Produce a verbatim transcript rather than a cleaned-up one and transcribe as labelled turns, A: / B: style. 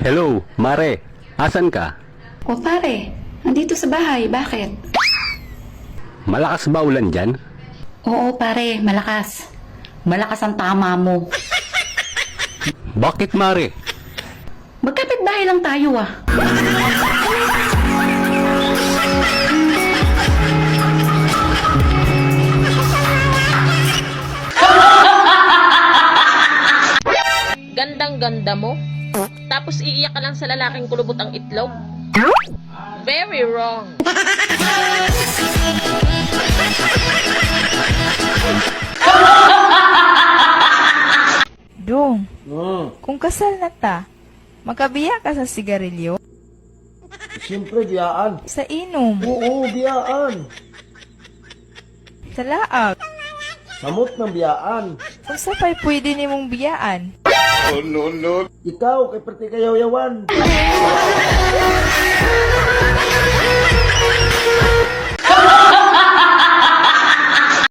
A: Hello, Mare. Asan ka?
B: O pare, nandito sa bahay. Bakit?
A: Malakas ba ulan dyan?
B: Oo pare, malakas. Malakas ang tama mo.
A: Bakit, Mare?
B: Magkapit bahay lang tayo ah.
C: Gandang-ganda mo. Tapos iiyak ka lang sa lalaking kulubot ang itlog. Very wrong.
D: Dong,
E: Hmm,
D: kung kasal na ta, makabiya ka sa sigarilyo?
E: siyempre biyaan.
D: Sa inom?
E: Oo, biyaan.
D: Sa laag?
E: Samot ng biyaan.
D: Kung sapay pwede nimong biyaan?
E: Ikaw, kay pati kayaw-yawan.